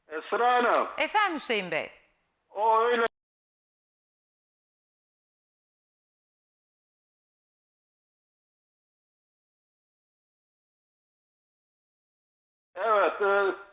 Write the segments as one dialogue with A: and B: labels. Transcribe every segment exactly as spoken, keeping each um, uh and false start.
A: Esra Hanım.
B: Efendim Hüseyin Bey.
A: O öyle. Evet.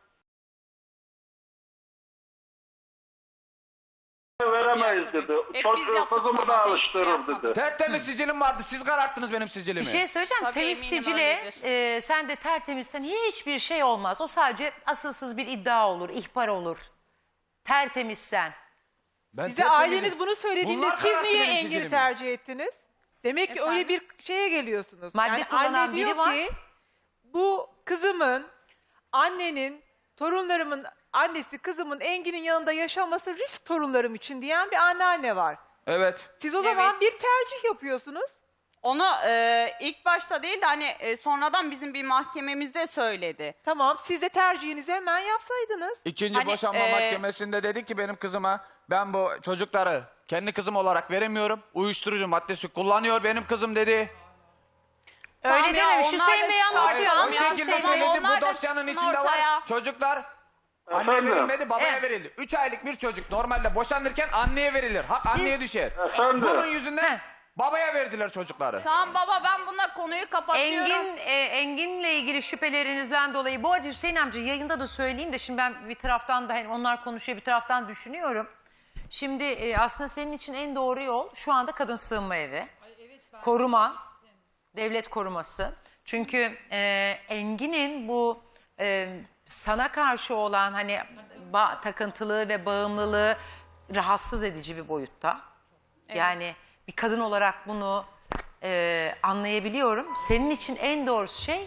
A: E, veremeyiz dedi.
C: Hep
A: Çok
C: biz yaptık
A: kızımı
C: sana,
A: da
C: tek şey
A: alıştırır
C: yapmadık.
A: dedi.
D: Tertemiz sicilim vardı. Siz kararttınız benim sicilimi.
B: Bir şey söyleyeceğim.
C: Tabii,
B: Temiz
C: eminim
B: sicile
C: öyledir.
B: e, sen de tertemizsen hiçbir şey olmaz. O sadece asılsız bir iddia olur, ihbar olur. Tertemizsen.
D: Ben
E: Size
D: tertemizim.
E: aileniz bunu söylediğinde
D: Bunlar
E: siz
D: kararttı
E: niye
D: benim
E: Engin'i
D: sicilimi.
E: tercih ettiniz? Demek ki öyle
C: Efendim?
E: bir şeye geliyorsunuz.
B: Madde
E: yani
B: kullanan
E: anne diyor
B: biri var.
E: ki bu kızımın, annenin, torunlarımın annesi kızımın Engin'in yanında yaşaması risk torunlarım için diyen bir anneanne var.
D: Evet.
E: Siz o zaman
C: Evet.
E: bir tercih yapıyorsunuz.
C: Onu e, ilk başta değil de hani e, sonradan bizim bir mahkememizde söyledi.
E: Tamam, siz de tercihinizi hemen yapsaydınız.
D: İkinci
C: Hani,
D: boşanma
C: e,
D: mahkemesinde dedi ki benim kızıma ben bu çocukları kendi kızım olarak veremiyorum. Uyuşturucu maddesi kullanıyor benim kızım dedi.
B: Öyle
C: Tamam ya,
B: dememiş.
C: onlar
B: Hüseyin
C: da
B: Bey
C: çıkartıyor.
B: anlatıyor.
C: Tamam
D: O
C: ya,
D: şekilde
C: Hüseyin Bey,
D: söyledi.
C: onlar
D: Bu
C: da
D: dosyanın
C: çıksın
D: içinde
C: ortaya.
D: var. Çocuklar anne
A: Efendim?
D: verilmedi, babaya
B: Evet.
D: verildi. Üç aylık bir çocuk normalde boşanırken anneye verilir. Hak anneye düşer.
A: Efendim?
D: Bunun yüzünden
B: Heh.
D: babaya verdiler çocukları.
C: Tamam baba, ben bununla konuyu kapatıyorum.
B: Engin, e, Engin'le ilgili şüphelerinizden dolayı. Bu arada Hüseyin amca yayında da söyleyeyim de şimdi ben bir taraftan da hani onlar konuşuyor bir taraftan düşünüyorum. Şimdi e, aslında senin için en doğru yol şu anda kadın sığınma evi. Koruma, devlet koruması. Çünkü e, Engin'in bu e, sana karşı olan hani ba- takıntılığı ve bağımlılığı rahatsız edici bir boyutta. Yani bir kadın olarak bunu e, anlayabiliyorum. Senin için en doğrusu şey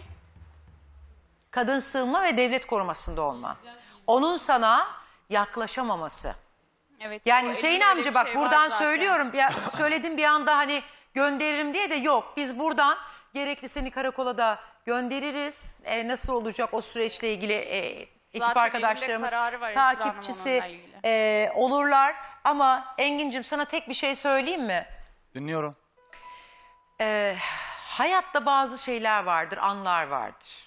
B: kadın sığınma ve devlet korumasında olman. Onun sana yaklaşamaması.
C: Evet,
B: Yani
C: o
B: Hüseyin
C: elinde öyle
B: amca
C: bir
B: bak
C: şey var
B: buradan
C: zaten.
B: söylüyorum. Ya, söyledim bir anda hani gönderirim diye de yok. Biz buradan gerekli seni karakola da göndeririz. E, nasıl olacak o süreçle ilgili e, ekip
C: Zaten
B: arkadaşlarımız
C: elimde kararı var Esra Hanım
B: takipçisi
C: onunla ilgili.
B: e, olurlar. Ama Engin'cim sana tek bir şey söyleyeyim mi?
D: Dinliyorum.
B: Ee, hayatta bazı şeyler vardır, anlar vardır.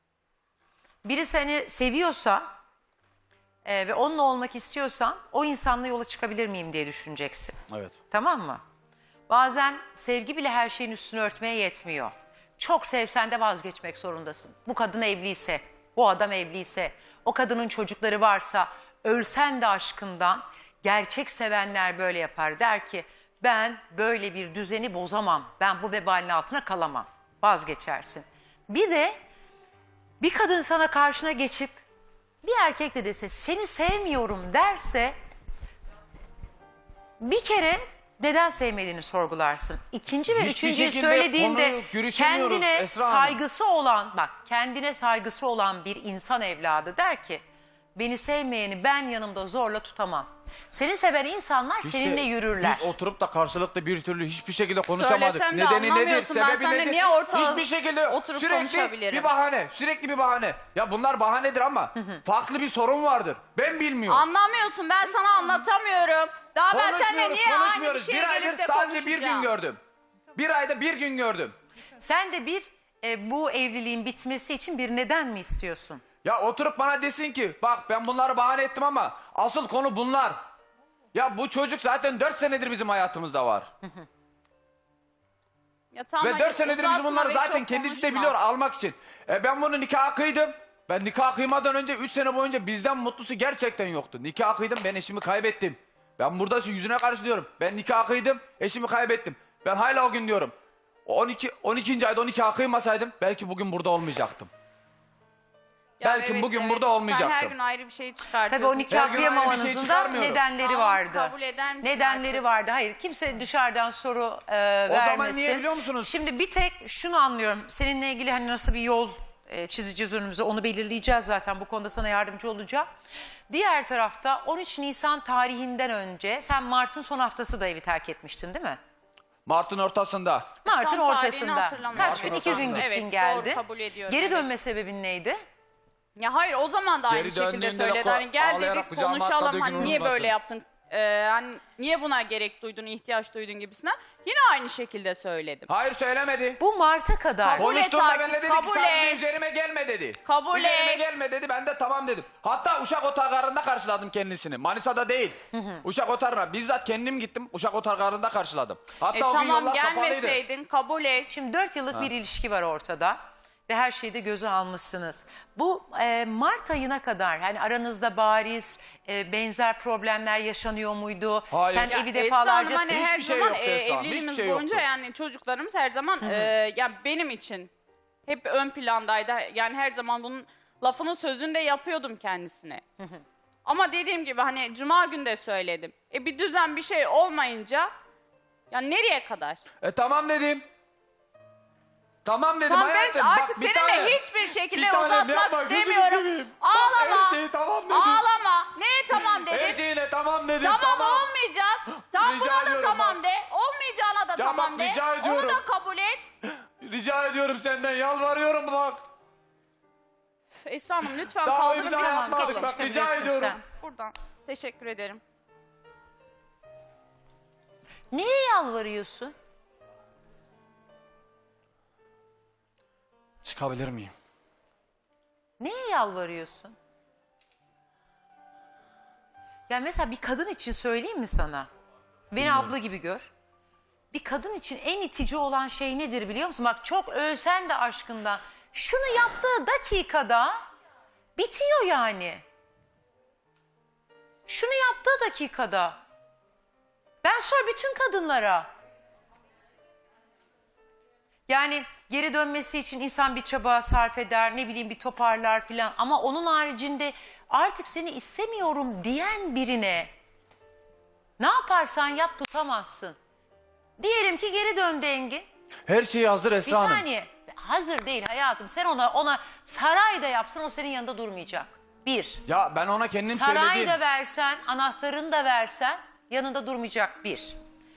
B: Biri seni seviyorsa e, ve onunla olmak istiyorsan o insanla yola çıkabilir miyim diye düşüneceksin.
D: Evet.
B: Tamam mı? Bazen sevgi bile her şeyin üstünü örtmeye yetmiyor. Çok sevsen de vazgeçmek zorundasın. Bu kadın evliyse, bu adam evliyse, o kadının çocukları varsa ölsen de aşkından gerçek sevenler böyle yapar. Der ki ben böyle bir düzeni bozamam. Ben bu vebalin altına kalamam. Vazgeçersin. Bir de bir kadın sana karşına geçip bir erkek de dese seni sevmiyorum derse bir kere neden sevmediğini sorgularsın. İkinci ve
D: Hiçbir
B: üçüncüyü
D: şekilde
B: söylediğinde
D: konuyu görüşemiyoruz
B: kendine
D: Esra Hanım.
B: saygısı olan bak kendine saygısı olan bir insan evladı der ki beni sevmeyeni ben yanımda zorla tutamam. Seni seven insanlar
D: İşte
B: seninle yürürler.
D: Biz oturup da karşılıklı bir türlü hiçbir şekilde konuşamadık.
C: Söylesem de
D: Nedeni nedir?
C: anlamıyorsun. Ben
D: Sebebi
C: seninle
D: nedir?
C: niye ortağa
D: Hiçbir şekilde
C: oturup
D: sürekli
C: konuşabilirim?
D: bir bahane. Sürekli bir bahane. Ya bunlar bahanedir ama farklı bir sorun vardır. Ben bilmiyorum.
C: Anlamıyorsun, ben sana anlatamıyorum. Daha ben seninle
D: Konuşmuyoruz,
C: niye aynı bir
D: konuşmuyoruz.
C: şeye
D: Bir aydır
C: gelip de
D: sadece bir gün
C: konuşacağım?
D: gördüm. Bir ayda bir gün gördüm.
B: Sen de bir e, bu evliliğin bitmesi için bir neden mi istiyorsun?
D: Ya oturup bana desin ki bak ben bunları bahane ettim ama asıl konu bunlar. Ya bu çocuk zaten dört senedir bizim hayatımızda var.
C: Ya tamam,
D: Ve
C: hadi
D: dört senedir biz
C: uzatma
D: bunları
C: ve
D: zaten
C: çok
D: kendisi de
C: konuşma.
D: biliyor almak için. E ben bunu nikah kıydım. Ben nikah kıymadan önce üç sene boyunca bizden mutlusu gerçekten yoktu. Nikah kıydım, ben eşimi kaybettim. Ben burada şu yüzüne karşı diyorum. Ben nikah kıydım, eşimi kaybettim. Ben hala o gün diyorum. on iki on ikinci ayda on nikah kıymasaydım belki bugün burada olmayacaktım.
C: Ya
D: belki bugün burada olmayacaktım.
C: Sen her gün ayrı bir şey çıkartıyorsun.
B: Tabii o
D: Her
B: nikah
D: gün aynı bir şey
B: kıyamamanızın da
D: çıkarmıyorum.
B: nedenleri
C: Tamam,
B: vardı.
C: kabul eder misin
B: Nedenleri
C: artık?
B: vardı. Hayır kimse dışarıdan soru e, vermesin.
D: zaman niye biliyor musunuz?
B: Şimdi bir tek şunu anlıyorum. Seninle ilgili hani nasıl bir yol e, çizeceğiz önümüze onu belirleyeceğiz zaten. Bu konuda sana yardımcı olacağım. Diğer tarafta on üç Nisan tarihinden önce sen Mart'ın son haftası da evi terk etmiştin değil mi?
D: Mart'ın ortasında.
B: Mart'ın
C: Tam tarihini
B: ortasında.
C: hatırlamıyorum.
B: Kaç gün?
D: Mart'ın
B: İki gün
D: ortasında.
B: gittin
C: Evet,
B: geldin.
C: doğru, kabul ediyorum,
B: Geri
C: evet.
B: dönme sebebin neydi?
C: Ya hayır, o zaman da aynı
D: Geri
C: şekilde
D: döndüğünde
C: söyledi.
D: de
C: Hani gel
D: ağlayarak
C: dedik
D: kucağıma
C: konuşalım,
D: atladığı
C: hani
D: gün
C: niye
D: unutmasın.
C: böyle yaptın? e, hani niye buna gerek duydun, ihtiyaç duydun gibisinden yine aynı şekilde söyledim.
D: Hayır söylemedi.
B: Bu Mart'a kadar.
C: Kabul et
D: Konuştuğunda
C: artık,
D: ben de dedik
C: kabul
D: ki sadece
C: et.
D: üzerime gelme dedi.
C: Kabul
D: üzerime
C: et.
D: gelme dedi, ben de tamam dedim. Hatta Uşak Otogarı'nda karşıladım kendisini. Manisa'da değil. Uşak Otogarı'na bizzat kendim gittim. Uşak Otogarı'nda karşıladım. Hatta
C: E
D: o gün
C: tamam
D: yollar kapalıydı.
C: gelmeseydin kabul et.
B: Şimdi dört yıllık bir ilişki var ortada ve her şeyi de göze almışsınız. Bu e, Mart ayına kadar hani aranızda bariz e, benzer problemler yaşanıyor muydu?
D: Hayır.
B: Sen
D: Ya
B: evi
C: Esra
B: defalarca...
C: Hanım, hani her
D: Hiçbir şey
C: zaman
D: yoktu
C: e,
D: Esra Hanım,
C: evliliğimiz
D: hiçbir şey
C: boyunca
D: yoktu.
C: yani çocuklarımız her zaman e, yani benim için hep ön plandaydı. Yani her zaman bunun lafının sözünü de yapıyordum kendisine. Ama dediğim gibi hani cuma günü de söyledim. E bir düzen bir şey olmayınca ya nereye kadar?
D: E tamam dedim. Tamam dedim
C: Tamam ben
D: hayatım.
C: artık
D: Bak, bir
C: seninle
D: tane-
C: hiçbir şekilde
D: bir tanem
C: uzatmak
D: yapma, gözünü
C: istemiyorum.
D: seveyim. Bak,
C: Ağlama.
D: her şeyi tamam dedim.
C: Ağlama. Neye tamam
D: Her
C: dedim?
D: şeyine tamam dedim.
C: Tamam, olmayacak. Tam
D: Rica
C: buna da
D: ediyorum
C: tamam
D: bak.
C: de. Olmayacağına da
D: Ya
C: tamam
D: bak,
C: de.
D: rica
C: Onu
D: ediyorum.
C: da kabul et.
D: Rica ediyorum senden, yalvarıyorum bak.
C: Esra Hanım lütfen
D: Daha
C: kaldırın
D: imza
C: bir an.
D: atmadık,
C: Geçin,
D: bak,
C: çıkabilirsin
D: rica ediyorum.
C: sen. Buradan. Teşekkür ederim.
B: Neye yalvarıyorsun?
D: Çıkabilir miyim?
B: Neye yalvarıyorsun? Ya mesela bir kadın için söyleyeyim mi sana? Beni abla gibi gör. Bir kadın için en itici olan şey nedir biliyor musun? Bak çok ölsen de aşkından. Şunu yaptığı dakikada bitiyor yani. Şunu yaptığı dakikada. Ben sor bütün kadınlara. Yani geri dönmesi için insan bir çaba sarf eder, ne bileyim bir toparlar filan. Ama onun haricinde artık seni istemiyorum diyen birine ne yaparsan yap tutamazsın. Diyelim ki geri döndü Engin.
D: Her şeyi hazır
B: Bir
D: Esra Hanım.
B: saniye. Hazır değil hayatım. Sen ona ona sarayda yapsan o senin yanında durmayacak. Bir.
D: Ya ben ona kendim
B: Sarayı
D: söyledim.
B: da versen, anahtarını da versen yanında durmayacak bir.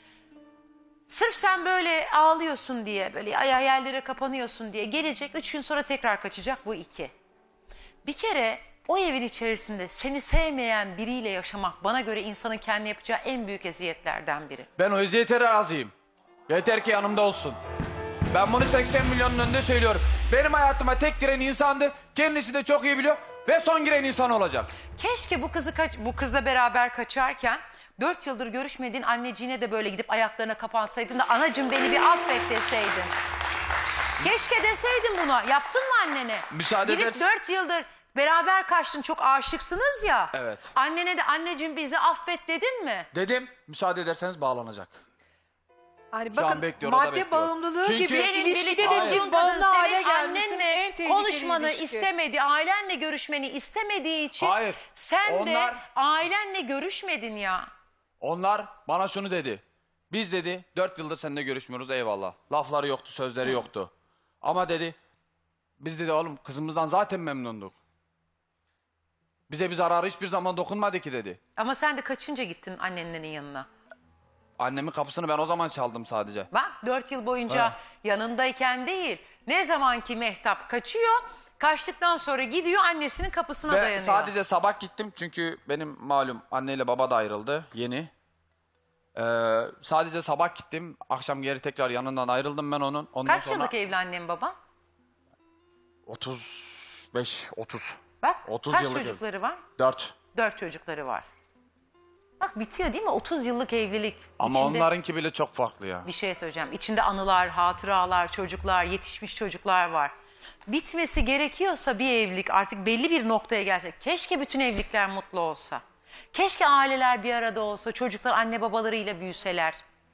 B: Sırf sen böyle ağlıyorsun diye, böyle ay hayallere kapanıyorsun diye gelecek, üç gün sonra tekrar kaçacak, bu iki. Bir kere o evin içerisinde seni sevmeyen biriyle yaşamak bana göre insanın kendi yapacağı en büyük eziyetlerden biri.
D: Ben o eziyete razıyım. Yeter ki yanımda olsun. Ben bunu seksen milyonun önünde söylüyorum. Benim hayatıma tek giren insandı. Kendisi de çok iyi biliyor. Ve son giren insan olacak.
B: Keşke bu kızı kaç, bu kızla beraber kaçarken dört yıldır görüşmediğin anneciğine de böyle gidip ayaklarına kapansaydın da anacığım beni bir affet deseydin. Keşke deseydin buna. Yaptın mı annene?
D: Müsaade
B: Gidip
D: edersin.
B: dört yıldır beraber kaçtın, çok aşıksınız ya.
D: Evet.
B: Annene de anneciğim bizi affet dedin mi?
D: Dedim, müsaade ederseniz bağlanacak.
E: Hani
D: Şu an
E: bakın
D: bekliyor, o da
E: madde
D: bekliyor.
E: bağımlılığı
D: Çünkü-
E: gibi
D: Senin
E: ilişkide de
B: birlikte
E: siz
B: olduğun
E: bağımlı
B: kadın
E: hale
B: senin
E: gelmişsiniz. En
B: annenle
E: tehlikeli
B: konuşmanı
E: ilişki.
B: istemedi, ailenle görüşmeni istemediği için
D: Hayır,
B: sen de
D: onlar-
B: ailenle görüşmedin ya.
D: Onlar bana şunu dedi. Biz dedi dört yıldır seninle görüşmüyoruz, eyvallah. Lafları yoktu, sözleri yoktu. Ama dedi biz dedi oğlum kızımızdan zaten memnunduk. Bize bir zararı hiçbir zaman dokunmadı ki dedi.
B: Ama sen de kaçınca gittin annenlerin yanına.
D: Annemin kapısını ben o zaman çaldım sadece.
B: Bak dört yıl boyunca
D: Ha.
B: yanındayken değil. Ne zaman ki Mehtap kaçıyor, kaçtıktan sonra gidiyor annesinin kapısına
D: Ve
B: dayanıyor.
D: sadece sabah gittim çünkü benim malum anneyle baba da ayrıldı yeni. Ee, sadece sabah gittim, akşam geri tekrar yanından ayrıldım ben onun. Ondan
B: Kaç
D: sonra
B: yıllık evli annen baban?
D: otuz beş otuz.
B: Bak
D: otuz
B: kaç
D: yıllık ev.
B: çocukları var?
D: dört.
B: Dört çocukları var. Bak bitiyor değil mi? otuz yıllık evlilik.
D: Ama
B: İçinde
D: onlarınki bile çok farklı ya.
B: bir şey söyleyeceğim. İçinde anılar, hatıralar, çocuklar, yetişmiş çocuklar var. Bitmesi gerekiyorsa bir evlilik artık belli bir noktaya gelse. Keşke bütün evlilikler mutlu olsa. Keşke aileler bir arada olsa. Çocuklar anne babalarıyla büyüseler.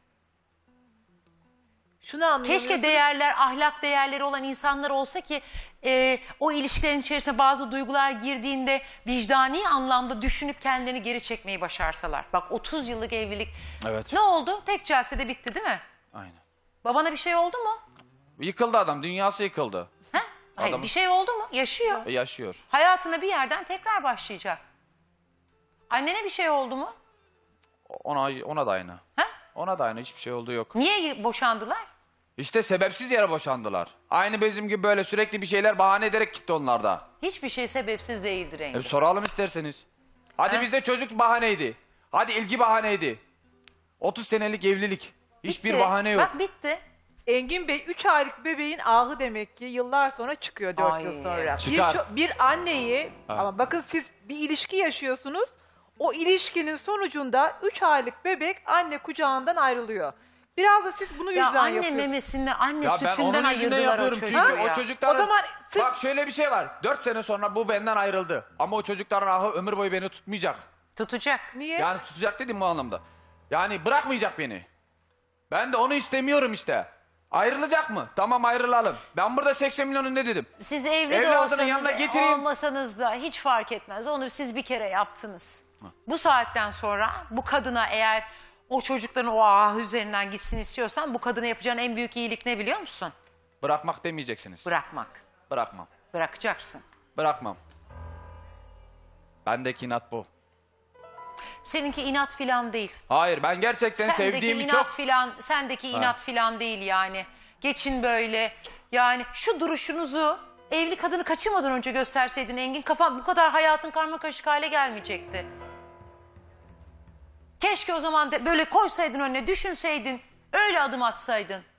E: Şunu anlayamıyorsunuz.
B: Keşke değerler, ahlak değerleri olan insanlar olsa ki e, o ilişkilerin içerisine bazı duygular girdiğinde vicdani anlamda düşünüp kendilerini geri çekmeyi başarsalar. Bak otuz yıllık evlilik
D: Evet.
B: ne oldu? Tek celsede bitti değil mi?
D: Aynen.
B: Babana bir şey oldu mu?
D: Yıkıldı adam, dünyası yıkıldı.
B: He? Hayır,
D: Adam-
B: bir şey oldu mu? Yaşıyor.
D: E, yaşıyor.
B: Hayatına bir yerden tekrar başlayacak. Annene bir şey oldu mu?
D: Ona ona da aynı.
B: He?
D: Ona da aynı, hiçbir şey olduğu yok.
B: Niye boşandılar?
D: İşte sebepsiz yere boşandılar. Aynı bizim gibi böyle sürekli bir şeyler bahane ederek gitti onlar da.
B: Hiçbir şey sebepsiz değildir Engin.
D: E, soralım isterseniz. Hadi
B: He?
D: bizde çocuk bahaneydi. Hadi ilgi bahaneydi. otuz senelik evlilik. Hiçbir
B: Bitti.
D: bahane yok.
B: Bak bitti.
E: Engin Bey üç aylık bebeğin ahı demek ki yıllar sonra çıkıyor dört
B: Ay.
E: yıl sonra. Bir,
D: Çıkar.
E: ço- bir anneyi
D: Ha.
E: ama bakın siz bir ilişki yaşıyorsunuz. O ilişkinin sonucunda üç aylık bebek anne kucağından ayrılıyor. Biraz da siz bunu
B: Ya
E: yüzden
B: anne
E: yapıyorsunuz.
B: memesinde anne
D: Ya ben
B: sütünden
D: onun yüzünden
B: ayırdılar o
D: yapıyorum
B: çocuğu
D: çünkü
B: ya.
D: o çocukların...
E: O zaman sırf-
D: Bak şöyle bir şey var. Dört sene sonra bu benden ayrıldı. Ama o çocukların ahı ömür boyu beni tutmayacak.
B: Tutacak.
E: Niye?
D: Yani tutacak dedim bu anlamda. Yani bırakmayacak beni. Ben de onu istemiyorum işte. Ayrılacak mı? Tamam ayrılalım. Ben burada seksen milyonu ne dedim?
B: Siz evli de
D: Evladının
B: olsanız,
D: yanına getireyim.
B: olmasanız da hiç fark etmez. Onu siz bir kere yaptınız. Bu saatten sonra bu kadına eğer o çocukların o ah üzerinden gitsin istiyorsan bu kadına yapacağın en büyük iyilik ne biliyor musun?
D: Bırakmak demeyeceksiniz.
B: Bırakmak.
D: Bırakmam.
B: Bırakacaksın.
D: Bırakmam. Bendeki inat bu.
B: Seninki inat filan değil.
D: Hayır ben gerçekten
B: Sendeki
D: sevdiğimi
B: inat
D: çok...
B: filan, sendeki inat filan değil yani. Geçin böyle. Yani şu duruşunuzu evli kadını kaçırmadan önce gösterseydin Engin, kafam bu kadar hayatın karmakarışık hale gelmeyecekti. Keşke o zaman de böyle koysaydın önüne, düşünseydin, öyle adım atsaydın.